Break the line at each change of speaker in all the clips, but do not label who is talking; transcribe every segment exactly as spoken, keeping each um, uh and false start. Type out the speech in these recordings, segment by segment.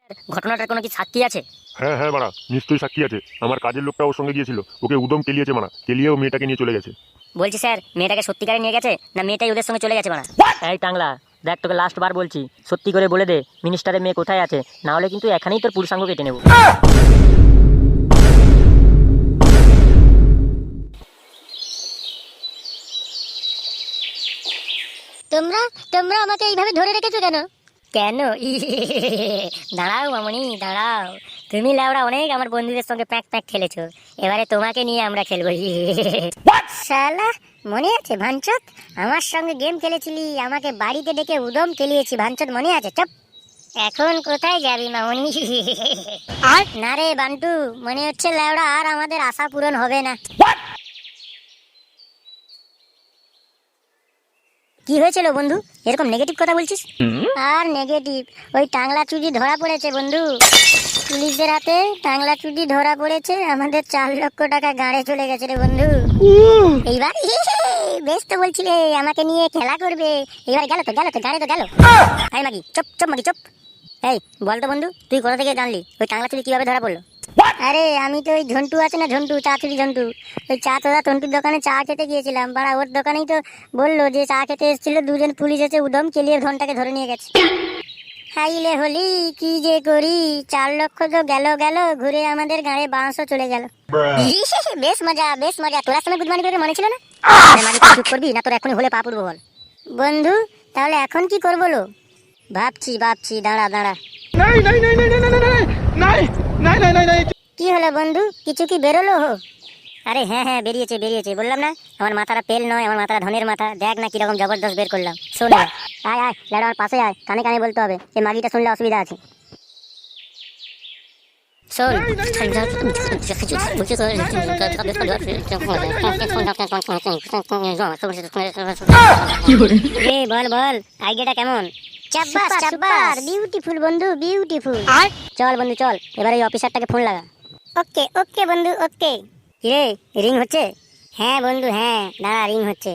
ঘটনাটার কোনো কি সাক্ষী আছে?
হ্যাঁ হ্যাঁ মারা, নিশ্চয়ই সাক্ষী আছে। আমার কাজের লোকটা ওর সঙ্গে গিয়েছিল, ওকে উদম কেলিয়েছে মারা, কেলিয়ে ও মেয়েটাকে নিয়ে চলে গেছে।
বলছি স্যার, মেয়েটাকে সত্যিকারে নিয়ে গেছে না মেয়েটাই ওদের সঙ্গে চলে গেছে মানা?
এই টাংলা, দেখ তোকে লাস্ট বার বলছি, সত্যি করে বলে দে মিনিস্টারের মেয়ে কোথায় আছে, না হলে কিন্তু এখানেই তোর পুরুষাঙ্গ কেটে নেব।
তোমরা তোমরা আমাকে এইভাবে ধরে রেখেছো কেন?
কেন? দাঁড়াও মামনি দাঁড়াও, তুমি লাউড়া অনেক আমার বন্ধুদের সঙ্গে প্যাক প্যাক খেলেছো, এবারে তোমাকে নিয়ে আমরা খেলবো। শালা, মনে আছে ভাঞ্চত? আমার সঙ্গে গেম খেলেছিলি, আমাকে বাড়িতে ডেকে উদম খেলিয়েছি, ভাঞ্চত মনে আছে? চপ। এখন কোথায় যাবি মামনি? আর না রে বান্টু, মনে হচ্ছে লাউড়া আর আমাদের আশা পূরণ হবে না। কি হয়েছিল বন্ধু, এরকম নেগেটিভ কথা বলছিস? আর নেগেটিভ, ওই টাংলা চুদি ধরা পড়েছে বন্ধু, পুলিশদের হাতে টাংলা চুদি ধরা পড়েছে, আমাদের চার লক্ষ টাকা গাড়ে চলে গেছে রে বন্ধু। এইবার বেশ তো বলছিলে আমাকে নিয়ে খেলা করবে, এবার গেল তো গেল তো গাড়ে তো গেল। এই মাগি চুপ চুপ মাগি চুপ। এই বল তো বন্ধু, তুই কোথা থেকে জানলি ওই টাংলা চুদি কিভাবে ধরা পড়লো? আরে আমি তো ওই ঝন্টু আছে না, ঝন্টু চা চুরি ঝন্টু, ওই চা তোরা তন্টুর দোকানে চা খেতে গিয়েছিলাম, বাড়া ওর দোকানেই তো বললো যে চা খেতে এসেছিল, দুজন পুলিশ এসে উদম কেলিয়ে ধনটাকে ধরে নিয়ে গেছে। হাইলে হলি কি যে করি, চার লক্ষ তো গেল গেল, ঘুরে আমাদের গাড়ে বাঁশও চলে গেল। বেশ মজা বেশ মজা, তোরা সময় গুড মর্নিং করে মনে ছিল না? চুপ করবি না, তোর এখনই হলে পা পড়বো বল। বন্ধু তাহলে এখন কি করবো লো? ভাবছি ভাবছি, দাঁড়া দাঁড়া। কি হলো বন্ধু, কিছু কি বেরোলো? হো আরে হ্যাঁ হ্যাঁ বেরিয়েছে বেরিয়েছে, বললাম না আমার মাথাটা পেল নয়, আমার মাথাটা ধনের মাথা, দেখ না কিরকম জবরদস্ত বের করলাম। শোন এবার, আয় আয় ল্যাডা আমার পাশে আয়, কানে কানে বলতে হবে, এই মাগিটা শুনলে অসুবিধা আছে। শোন, বল বল আইডিয়াটা কেমন? চাব্বাস চাব্বাস, বিউটিফুল বন্ধু বিউটিফুল। চল বন্ধু চল, এবার এই অফিসারটাকে ফোন লাগা। ওকে ওকে বন্ধু ওকে। কিরে রিং হচ্ছে? হ্যাঁ বন্ধু হ্যাঁ, দাঁড়া রিং হচ্ছে।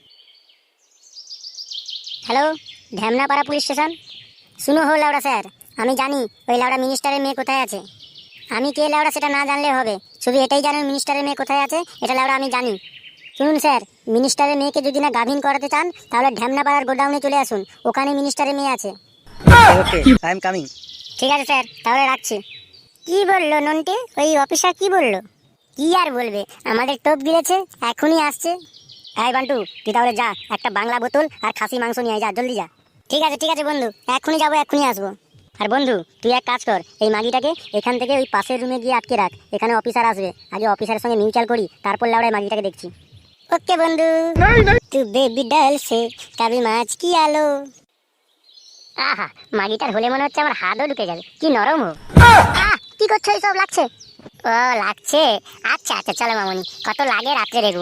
Hello, Dhyamnapara police station. শুনো হো লাউড়া স্যার, আমি জানি ওই লাউড়া মিনিস্টারের মেয়ে কোথায় আছে। আমি কে লাউড়া সেটা না জানলে হবে, শুধু এটাই জানেন মিনিস্টারের মেয়ে কোথায় আছে, এটা লাউড়া আমি জানি। শুনুন স্যার, মিনিস্টারের মেয়েকে যদি না গাভিন করাতে চান তাহলে ঢ্যামনাপাড়ার গোডাউনে চলে আসুন, ওখানে মিনিস্টারের মেয়ে আছে।
Okay, I am coming.
ঠিক আছে স্যার, তাহলে রাখছি। কি বললো নন্টে, ওই অফিসার কি বললো? কি আর বলবে, আমাদের টোপ গিলেছে, এখনই আসছে। এই বান্টু তুই তাহলে যা, একটা বাংলা বোতল আর খাসি মাংস নিয়ে আয়, যা জলদি যা। ঠিক আছে ঠিক আছে বন্ধু, এখনই যাবো এখনই আসবো। আর বন্ধু তুই এক কাজ কর, এই মাগিটাকে এখান থেকে ওই পাশের রুমে গিয়ে আটকে রাখ, এখানে অফিসার আসবে, আগে অফিসারের সঙ্গে মিউচুয়াল করি, তারপর লাউড়ায় মাগিটাকে দেখছি। ওকে বন্ধু। তু বেবি ডাল সে কাবি মাছ কি আলো। আহা, মাগিটার হলে মনে হচ্ছে আমার হাতও ঢুকে যাবে, কি নরম হো। আহ, কি করছো এইসব, লাগছে? ও লাগছে, আচ্ছা আচ্ছা চলো মামনি, কত লাগে রাত্রে দেখবো।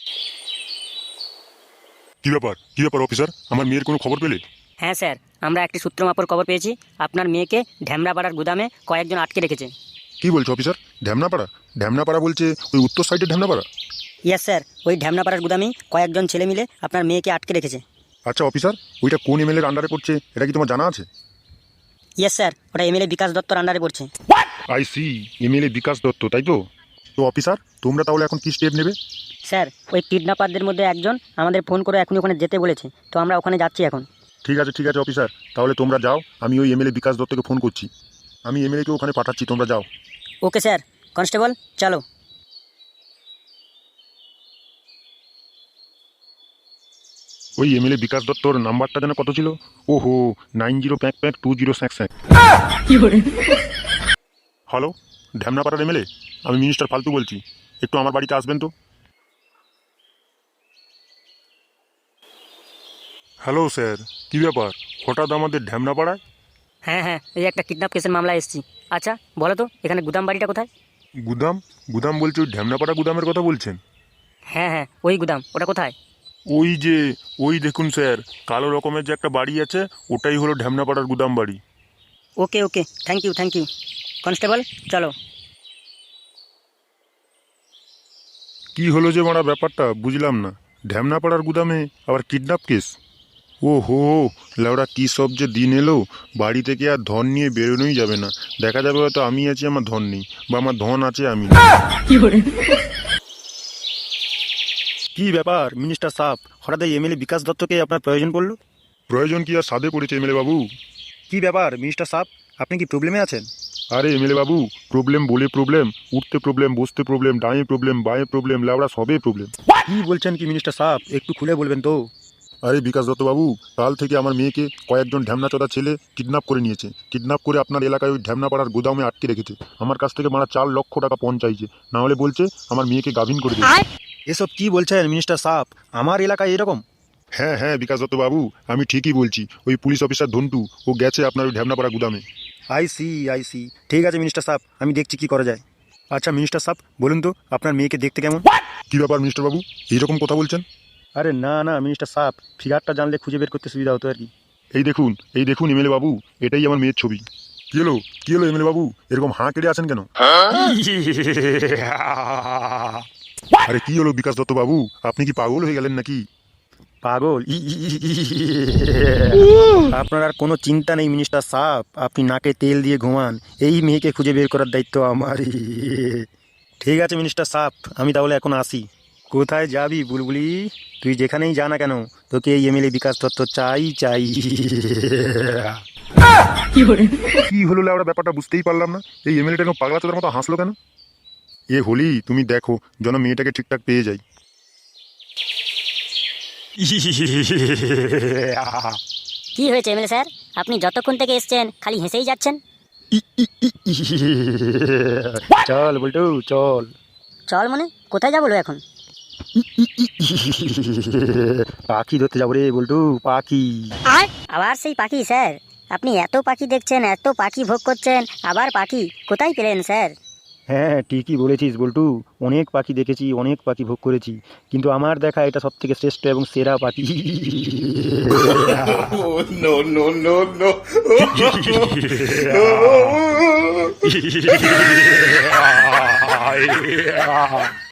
কি ব্যাপার কি ব্যাপার অফিসার, আমার মেয়ের কোনো খবর পেলে?
হ্যাঁ স্যার, আমরা একটি সূত্র মাপর খবর পেয়েছি, আপনার মেয়েকে ঢ্যামরাপাড়ার গুদামে কয়েকজন আটকে রেখেছে।
কি বলছো অফিসার, ঢ্যামনাপাড়া? ঢ্যামনাপাড়া বলছে ওই উত্তর সাইডের ঢ্যামনাপাড়া?
ইয়েস স্যার, ওই ঢ্যামরাপাড়ার গুদামেই কয়েকজন ছেলে মিলে আপনার মেয়েকে আটকে রেখেছে।
আচ্ছা অফিসার, ওইটা কোন এমএলএর আন্ডারে পড়ছে এটা কি তোমার জানা আছে?
ইয়েস স্যার, ওটা এমএলএ বিকাশ দত্তর আন্ডারে পড়ছে।
I see, MLA Bikash Dutta, তাই তো? তো অফিসার তোমরা তাহলে এখন কি স্টেপ নেবে?
স্যার, ওই কিডন্যাপারদের মধ্যে একজন আমাদের ফোন করে এখনই ওখানে যেতে বলেছে, তো আমরা ওখানে যাচ্ছি এখন।
ঠিক আছে ঠিক আছে অফিসার, তাহলে তোমরা যাও, আমি ওই এমএলএ বিকাশ দত্তকে ফোন করছি, আমি এমএলএকে ওখানে পাঠাচ্ছি, তোমরা যাও।
ওকে স্যার, কনস্টেবল চলো।
ওই এমএলএ বিকাশ দত্তর নাম্বারটা যেন কত ছিল? ওহো, nine zero pack pack two zero sack sack. Hello, ঢ্যামনাপাড়ার এমএলএ, আমি মিনিস্টার ফালতু বলছি, একটু আমার বাড়িতে আসবেন তো। হ্যালো স্যার, কী ব্যাপার হঠাৎ আমাদের ঢ্যামনাপাড়ায়?
হ্যাঁ হ্যাঁ, এই একটা কিডন্যাপ কেসের মামলা এসেছি। আচ্ছা বলো তো, এখানে গুদাম বাড়িটা কোথায়?
গুদাম? গুদাম বলছে ওই ঢ্যামনাপাড়া গুদামের কথা বলছেন?
হ্যাঁ হ্যাঁ, ওই গুদাম, ওটা কোথায়?
ওই যে, ওই দেখুন স্যার, কালো রকমের যে একটা বাড়ি আছে, ওটাই হলো ঢ্যামনাপাড়ার গুদাম বাড়ি।
Okay okay, thank you thank you. Constable চলো।
কি হলো যে মারা ব্যাপারটা বুঝলাম না, ঢ্যামনাপাড়ার গুদামে আবার কিডন্যাপ কেস? ওহো, লেওড়া কি সব যে দিন এলো, বাড়ি থেকে আর ধন নিয়ে বেরোনোই যাবে না। দেখা যাবে হয়তো আমি আছি, আমার ধন নেই, বা আমার ধন আছে আমি নেই।
কি ব্যাপার মিনিস্টার সাহেব, হঠাৎ এই এমএলএ বিকাশ দত্তকে আপনার প্রয়োজন পড়লো?
প্রয়োজন কি আর সাধে পড়েছে এমএলএ বাবু?
কি ব্যাপার মিনিস্টার সাহেব, আপনি কি প্রবলেমে আছেন?
আরে এমএলএ বাবু, প্রবলেম বলে প্রবলেম, উঠতে প্রবলেম, বসতে প্রবলেম, ডাঁয়ে প্রবলেম, বাঁয়ে প্রবলেম, লেওড়া সবে প্রবলেম।
কি বলছেন কি মিনিস্টার সাহেব, একটু খুলে বলবেন তো।
আরে বিকাশ দত্ত বাবু, কাল থেকে আমার মেয়েকে কয়েকজন ঢ্যামনাচোদা ছেলে কিডন্যাপ করে নিয়েছে। কিডন্যাপ করে আপনার এলাকায় ওই ঢ্যামনাপাড়ার গোদামে আটকে রেখেছে। আমার কাছ থেকে মারা চার লক্ষ টাকা পণ চাইছে, না হলে বলছে আমার মেয়েকে গাভিন করে দেবে।
এসব কি বলছেন মিনিস্টার সাহেব, আমার এলাকায় এরকম?
হ্যাঁ হ্যাঁ বিকাশ দত্ত বাবু, আমি ঠিকই বলছি। ওই পুলিশ অফিসার ধন্টু, ও গেছে আপনার ওই ঢ্যামনাপাড়া গুদামে।
আই সি আই সি ঠিক আছে মিনিস্টার সাহেব, আমি দেখছি কি করা যায়। আচ্ছা মিনিস্টার সাহেব বলুন তো, আপনার মেয়েকে দেখতে কেমন?
কি ব্যাপার মিস্টার বাবু, এইরকম কথা বলছেন?
আরে না না মিনিস্টার সাহেব, ফিগারটা জানলে খুঁজে বের করতে সুবিধা হতো আর কি।
এই দেখুন, এই দেখুন এমএলএ বাবু, এটাই আমার মেয়ের ছবি। কি হলো কি হলো এমএলএ বাবু, এরকম হাঁ কেটে আছেন কেন? আরে কি হলো বিকাশ দত্ত বাবু, আপনি কি পাগল হয়ে গেলেন নাকি?
পাগল? ই ই ই ই ই। আপনার আর কোনো চিন্তা নেই মিনিস্টার সাহেব, আপনি নাকে তেল দিয়ে ঘুমান, এই মেয়েকে খুঁজে বের করার দায়িত্ব আমারই। ঠিক আছে মিনিস্টার সাহেব, আমি তাহলে এখন আসি। কোথায় যাবি বুলবুলি? তুই যেখানেই যা না কেন, তোকে এই এমএলএ বিকাশ দত্ত চাই চাই।
কি হলো লেওড়া, ব্যাপারটা বুঝতেই পারলাম না। এই এমএলএটা এরকম পাগলা চোদার মতো হাসলো কেন? এ হোলি, তুমি দেখো যেন মেয়েটাকে ঠিকঠাক পেয়ে যাই।
কি হয়েছে এমএলএ স্যার, আপনি যতক্ষণ থেকে এসছেন খালি হেসেই যাচ্ছেন।
চল বলটু চল।
চল মানে কোথায় যাবো এখন?
পাখি ধরতে যাবো রে বলটু, পাখি।
আবার সেই পাখি স্যার? আপনি এত পাখি দেখছেন, এত পাখি ভোগ করছেন, আবার পাখি কোথায় পেলেন স্যার?
হ্যাঁ ঠিকই বলেছিস বল্টু, অনেক পাখি দেখেছি, অনেক পাখি ভোগ করেছি, কিন্তু আমার দেখা এটা সব থেকে শ্রেষ্ঠ এবং সেরা পাখি।
no, no, no, no.